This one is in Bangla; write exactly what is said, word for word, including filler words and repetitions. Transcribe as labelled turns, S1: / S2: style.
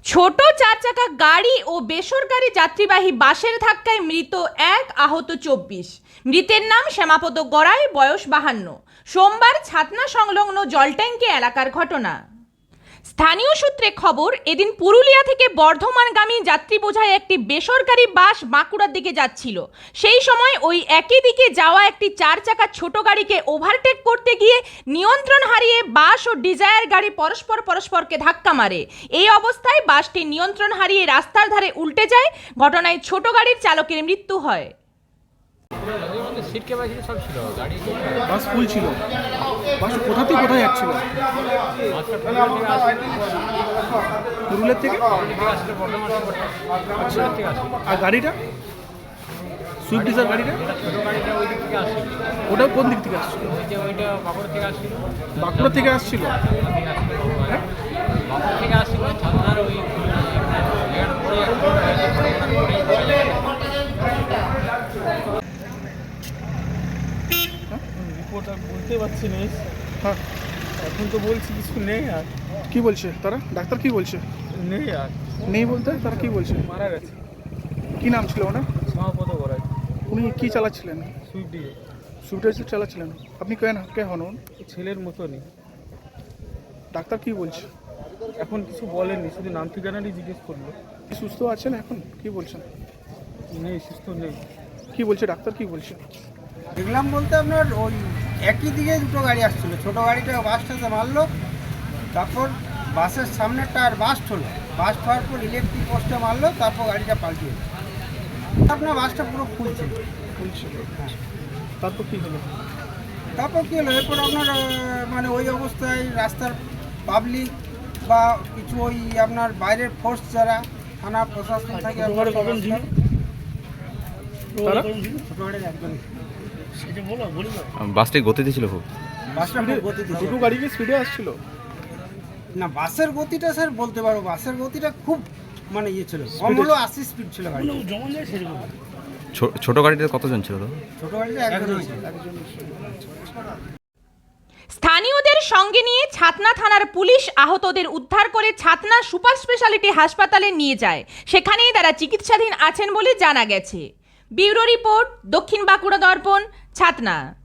S1: ছোট চার চাকা গাড়ি ও বেসরকারি যাত্রীবাহী বাসের ধাক্কায় মৃত এক, আহত চব্বিশ। মৃতের নাম শ্যামাপদ গড়াই, বয়স বাহান্ন। সোমবার ছাতনা সংলগ্ন জলট্যাঙ্কি এলাকার ঘটনা। স্থানীয় সূত্রে খবর, এদিন পুরুলিয়া থেকে বর্ধমানগামী যাত্রী বোঝাই একটি বেসরকারি বাস বাঁকুড়ার দিকে যাচ্ছিল। সেই সময় ওই একই দিকে যাওয়া একটি চার চাকা ছোট গাড়িকে ওভারটেক করতে গিয়ে নিয়ন্ত্রণ হারিয়ে বাস ও ডিজায়ার গাড়ি পরস্পর পরস্পরকে ধাক্কা মারে। এই অবস্থায় বাসটি নিয়ন্ত্রণ হারিয়ে রাস্তার ধারে উল্টে যায়। ঘটনায় ছোট গাড়ির চালকের মৃত্যু হয়।
S2: সিট ক্যাপাসিটি সব ছিল, গাড়ি
S3: বাস ফুল ছিল। বাস কোথা থেকে কোথায় যাচ্ছিল? পুরুলিয়ার থেকে
S2: আসলে বর্ধমান
S3: আচ্ছা। আর গাড়িটা সুইফট ডিজায়ার গাড়িটা
S2: ছোটো গাড়িটা ওই দিক থেকে আসছিল।
S3: ওটা কোন দিক থেকে আসছিল?
S2: ওই যে ওইটা বাঁকুড়া থেকে আসছিল।
S3: বাঁকুড়া থেকে আসছিল।
S2: বাঁকুড়া থেকে আসছিল ছাতনার ওই
S4: রিপোর্ট আর বলতে পারছি না।
S3: হ্যাঁ,
S4: এখন তো বলছি কিছু নেই আর।
S3: কি বলছে তারা? ডাক্তার কি বলছে?
S4: নেই আর,
S3: নেই বলতে তারা কি বলছে?
S4: মারা গেছে।
S3: কি নাম ছিল ওনার?
S4: সমাপত করায়
S3: উনি কি চালাচ্ছিলেন?
S4: Swift Dzire.
S3: সুইফট ডিজায়ার চালাচ্ছিলেন। আপনি কেন কে হন?
S4: ছেলের মতনই।
S3: ডাক্তার কি বলছে?
S4: এখন কিছু বলেনি, শুধু নাম ঠিকানারই জিজ্ঞেস করলো।
S3: কি সুস্থ আছেন এখন? কি বলছেন?
S4: নেই, সুস্থ নেই।
S3: কি বলছে ডাক্তার? কি বলছে?
S5: দেখলাম বলতে আপনার ওই একই দিকে দুটো গাড়ি আসছিলো। ছোটো গাড়িটা বাসটাতে মারলো, তারপর বাসের সামনেরটা আর বাস্ট হলো। বাস্ট হওয়ার পর ইলেকট্রিক পোস্টে মারলো, তারপর গাড়িটা পাল্টিয়ে আপনার বাসটা পুরো ফুল ছিল।
S3: বলছে
S5: হ্যাঁ,
S3: তারপর কি হলো?
S5: তারপর কী হলো, এরপর আপনার আহ, মানে ওই অবস্থায় রাস্তার পাবলিক বা কিছু ওই আপনার বাইরের ফোর্স যারা থানা প্রশাসন থাকে আপনার
S3: তারা
S5: ছোটো গাড়ির একদমই
S6: বাসটি গতিতে ছিল খুব।
S5: বাসটা খুব গতিতে ছিল।
S3: দুটো গাড়ি কি স্পিডে আসছিল?
S5: না, বাসের গতিটা স্যার বলতে পারবো, বাসের গতিটা খুব মানে ইয়ে ছিল, কম হলো আশি স্পিড ছিল গাড়ি।
S6: ছো- ছোট গাড়িতে কতজন ছিল তো?
S5: ছোট গাড়িটা একজন ছিল।
S1: স্থানীয়দের সঙ্গে নিয়ে ছাতনা থানার পুলিশ আহতদের উদ্ধার করে ছাতনা সুপার স্পেশালিটি হাসপাতালে নিয়ে যায়। সেখানেই তারা চিকিৎসাধীন আছেন বলে জানা গেছে। ব্যুরো রিপোর্ট, দক্ষিণ বাঁকুড়া দর্পণ, ছাতনা।